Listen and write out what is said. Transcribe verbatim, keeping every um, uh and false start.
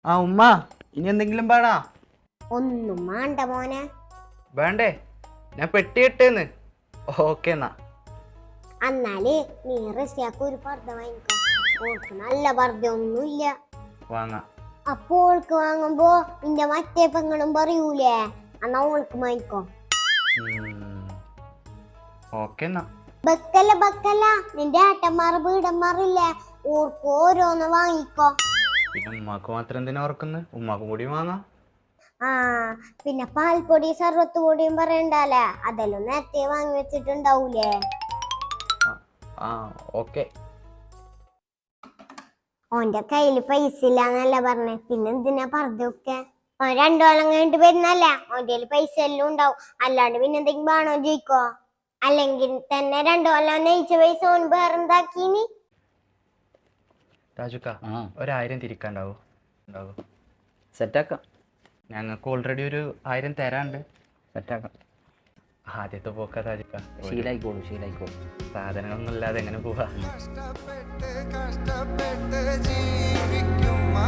ആ ഉമ്മ ഇനി എന്തെങ്കിലും പാടാ? ഒന്നും വേണ്ട മോനെ. വേണ്ടേ? ഞാൻ പെട്ടി ഇട്ടേന്ന്. ഓക്കെ എന്നാ. എന്നാല് നീ റസിയാക്ക് ഒരു പർദ്ദ വാങ്ങിക്കോ. ഓൾക്ക് നല്ല പർദ്ദ ഒന്നുമില്ല. വാങ്ങാ. അപ്പൊ ഓൾക്ക് വാങ്ങുമ്പോ നിന്റെ മറ്റേ പെങ്ങളും പറയൂലേ, എന്നാ ഓൾക്ക് വാങ്ങിക്കോ. ഓക്കെ എന്നാ. ബക്കല്ല ബക്കല്ല, നിന്റെ ഏട്ടന്മാർ വീടന്മാറില്ലേ, ഓർക്ക് ഓരോന്ന് വാങ്ങിക്കോ. പിന്നെ ഉമ്മാക്ക് മാത്രം എന്തിനാ ഓർക്കുന്നത്? ഉമ്മാക്കും കൂടി വാങ്ങാ. ആ പിന്നെ പാൽപ്പൊടി സർവത്ത് പൊടിയും പറയണ്ടല്ലേ, അതെല്ലാം നേരത്തെ വാങ്ങി വെച്ചിട്ടുണ്ടാവൂലേ. ആ ഓക്കെ. ഓന്റെ കയ്യില് പൈസ ഇല്ലാന്നല്ല പറഞ്ഞേ, പിന്നെ എന്തിനാ പറഞ്ഞൊക്കെ. ഓൻ രണ്ടു കൊല്ലം കഴിഞ്ഞിട്ട് വരുന്നല്ല, ഓന്റെ കയ്യില് പൈസ എല്ലാം ഉണ്ടാവും. അല്ലാണ്ട് പിന്നെ എന്തെങ്കിലും വേണോ ചോദിക്കോ? അല്ലെങ്കിൽ തന്നെ രണ്ടു കൊല്ലം നയിച്ച പൈസ ഓൻ വേറെന്താക്കീനി. രാജുക്ക ഒരായിരം തിരിക്കാണ്ടാവോ? ഉണ്ടാവോ? സെറ്റാക്കാം. ഞങ്ങൾക്ക് ഓൾറെഡി ഒരു ആയിരം തരാണ്ട്. സെറ്റാക്കാം. ആദ്യത്തെ പോക്കാ രാജുക്ക. ശീലായിക്കോളൂ ശീലായിക്കോളൂ. സാധനങ്ങളൊന്നും ഇല്ലാതെ എങ്ങനെ പോവാ? കഷ്ടപ്പെട്ട് കഷ്ടപ്പെട്ട് ജീവിക്കും